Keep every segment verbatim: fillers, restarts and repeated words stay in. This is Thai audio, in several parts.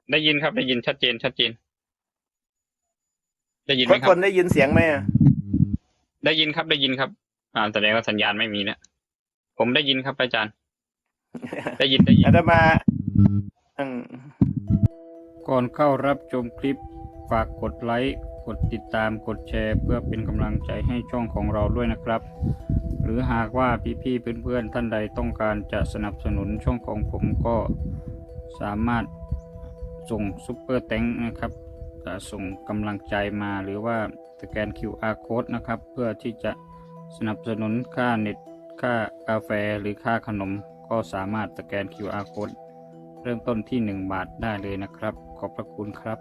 ได้ยินครับได้ยินชัดเจนชัดเจนได้ยินไหมทุกครับคนได้ยินเสียงไหมอะได้ยินครับได้ยินครับอ่าแสดงว่าสัญญาณไม่มีนะผมได้ยินครับอาจารย์ได้ยินได้ยินอาตมาอืมก่อนเข้ารับชมคลิปฝากกดไลค์กดติดตามกดแชร์เพื่อเป็นกำลังใจให้ช่องของเราด้วยนะครับหรือหากว่าพี่ๆเพื่อนๆท่านใดต้องการจะสนับสนุนช่องของผมก็สามารถส่งซุปเปอร์แตงนะครับส่งกำลังใจมาหรือว่าสแกน คิว อาร์ Code นะครับเพื่อที่จะสนับสนุนค่าเน็ตค่ากาแฟหรือค่าขนมก็สามารถสแกน คิว อาร์ Code เริ่มต้นที่หนึ่งบาทได้เลยนะครับขอบพระคุณครับ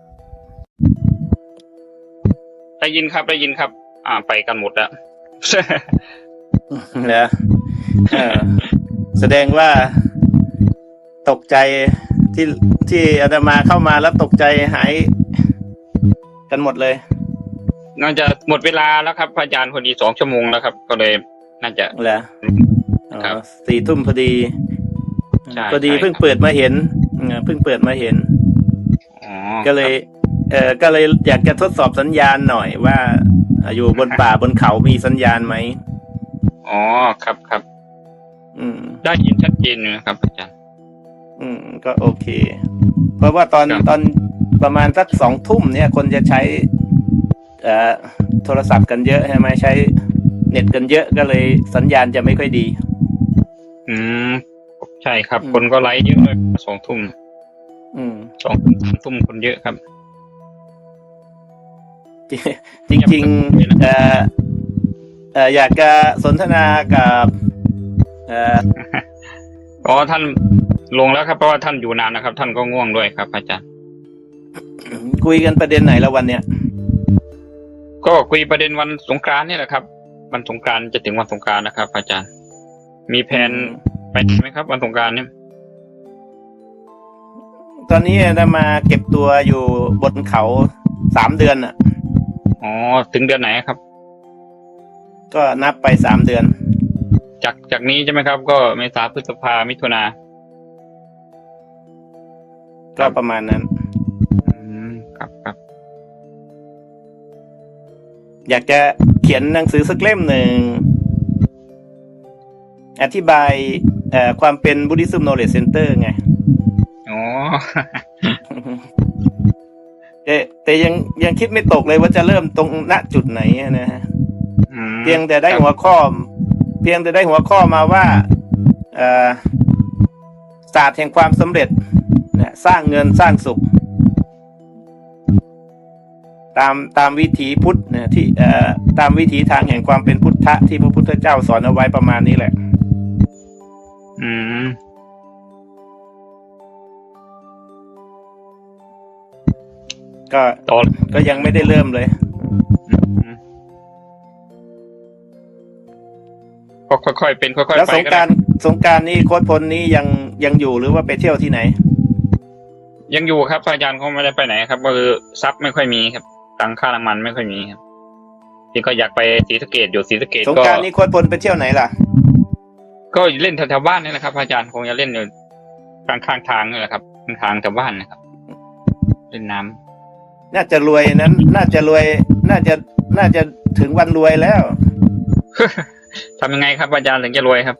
ได้ยินครับได้ยินครับ อ่าไปกันหมดแล้วเหรอเออแสดงว่าตกใจที่ที่อาตมาเข้ามาแล้วตกใจหายกันหมดเลยน่าจะหมดเวลาแล้วครับอาจารย์พอดีสองชั่วโมงแล้วครับ ก็เลยน่าจะเหรออ๋อครับสี่ทุ่มพอดีใช่พอดีใช่เพิ่งครับเปิดมาเห็นเออเพิ่งเปิดมาเห็นอ๋อก็เลย เออก็เลยอยากจะทดสอบสัญญาณหน่อยว่าอยู่บนป่าบนเขามีสัญญาณไหมอ๋อครับครับอืมได้ยินชัดเจนอยู่นะครับอาจารย์อืมก็โอเค เพราะว่าตอนครับตอนประมาณสักสองทุ่มเนี่ย คนจะใช้เอ่อโทรศัพท์กันเยอะใช่ไหมใช้เน็ตกันเยอะก็เลยสัญญาณจะไม่ค่อยดีอืมใช่ครับอืมคนก็ไลฟ์เยอะเลยสองทุ่มอืมสองทุ่มสามทุ่มคนเยอะครับจริงๆเอ่อเอ่ออยากจะสนทนากับเอ่ออ๋อท่านลงแล้วครับเพราะว่าท่านอยู่นานนะครับ ท่านก็ง่วงด้วยครับ อาจารย์คุยกันประเด็นไหนแล้ววันเนี้ยก็คุยประเด็นวันสงกรานต์นี่แหละครับวันสงกรานต์จะถึงวันสงกรานต์นะครับ อาจารย์ มีแผนไปไหมครับ วันสงกรานต์เนี่ยตอนนี้ได้มาเก็บตัวอยู่บนเขาสามเดือนอ่ะอ๋อถึงเดือนไหนครับก็นับไปสามเดือนจากจากนี้ใช่ไหมครับ ก็เมษาพฤษภามิถุนาก็ประมาณนั้นอืมครับครับอยากจะเขียนหนังสือสักเล่มหนึ่งอธิบายเอ่อความเป็น Buddhism Knowledge Center ไงอ๋อแต่แต่ยังยังคิดไม่ตกเลยว่าจะเริ่มตรงณจุดไหนอะนะฮะอืมเพียงแต่ได้ครับหัวข้อ เพียงแต่ได้หัวข้อมาว่าเอ่อศาสตร์แห่งความสำเร็จนะสร้างเงินสร้างสุข ตามตามวิถีพุทธนะที่เอ่อตามวิถีทางแห่งความเป็นพุทธะที่พระพุทธเจ้าสอนเอาไว้ประมาณนี้แหละอืมก็ต่อก็ยังไม่ได้เริ่มเลยอืมก็ค่อยๆเป็นค่อยๆแล้วไปสงก็กได้รารสงกรารนี้โค้ชพลนี้ยังยังอยู่หรือว่าไปเที่ยวที่ไหนยังอยู่ครับอาจารย์เขาไม่ได้ไปไหนครับก็คือทรัพย์ไม่ค่อยมีครับตังค่าน้ำมันไม่ค่อยมีครับที่ก็อยากไปศรีสะเกษอยู่ศรีสะเกษสงก็กรารนี้โค้ชพลไปเที่ยวไหนล่ะก็เล่นแถวๆบ้านนี่แหละครับอาจารย์คงจะเล่นอยู่กลางข้างทางนี่แหละครับข้างทางแถวบ้านนะครับ เล่นน้ำน่าจะรวยนั้น น่าจะรวย น่าจะน่าจะถึงวันรวยแล้วทำยังไงครับอาจารย์ถึงจะรวยครับ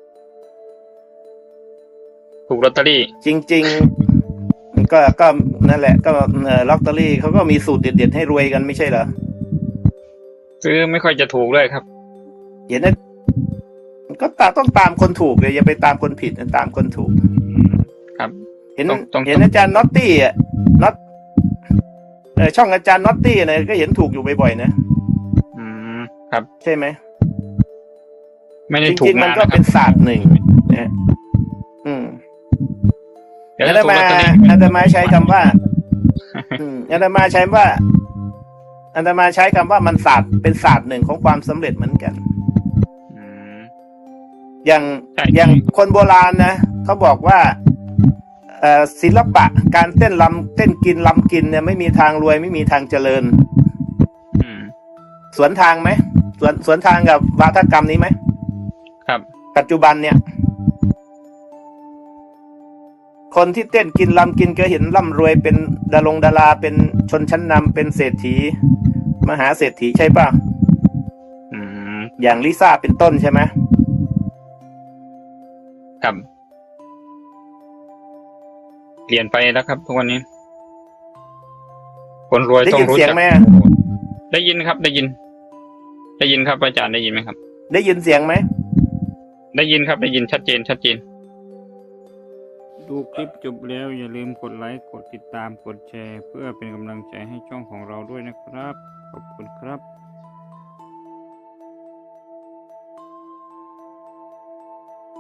ถูกลอตเตอรี่จริง ๆ ก็ก็นั่นแหละ ก็เอ่อลอตเตอรี่เขาก็มีสูตรเด็ดๆให้รวยกันไม่ใช่เหรอซื้อไม่ค่อยจะถูกเลยครับเห็นนะก็ตามต้องตามคนถูกเลยอย่าไปตามคนผิดนะตามคนถูกครับเห็นต้องต้องเห็นอาจารย์น็อตตี้อ่ะน็อตเออช่องอาจารย์น็อตตี้นะก็เห็นถูกอยู่บ่อยๆนะอืมครับใช่ไหมไม่ได้จถูกริงๆมันนานก็นะคเป็รันบศาสตร์หนึ่งนะอืมเดี๋ยวอาจะตถูกมาลอตเตอรี่อาตมาใช้คำว่า อืมอาตมาใช้ว่าอาตมาใช้คำว่ามันศาสตร์เป็นศาสตร์หนึ่งของความสำเร็จเหมือนกันอืมอย่างใช่อย่างคนโบราณนะเขาบอกว่าเอ่อศิลปะการเต้นลำเต้นกินลำกินเนี่ยไม่มีทางรวยไม่มีทางเจริญอืมสวนทางไหมสวนสวนทางกับวาทกรรมนี้ไหมครับปัจจุบันเนี่ย คคนที่เต้นกินลำกินก็เห็นร่ำรวยเป็นดารงดาราเป็นชนชั้นนำเป็นเศรษฐีมหาเศรษฐีใช่ป่ะอืมอย่างลิซ่าเป็นต้นใช่ไหมครับเปลี่ยนไปแล้วครับทุกวันนี้ คนรวยได้ต้องยินรู้เสียงจักไหมได้ยินครับ ได้ยิน ได้ยินครับอาจารย์ได้ยินไหมครับได้ยินเสียงไหมได้ยินครับได้ยินชัดเจนชัดเจนดูคลิปจบแล้วอย่าลืมกดไลค์กดติดตามกดแชร์ เพื่อเป็นกำลังใจให้ช่องของเราด้วยนะครับ ขอบคุณครับ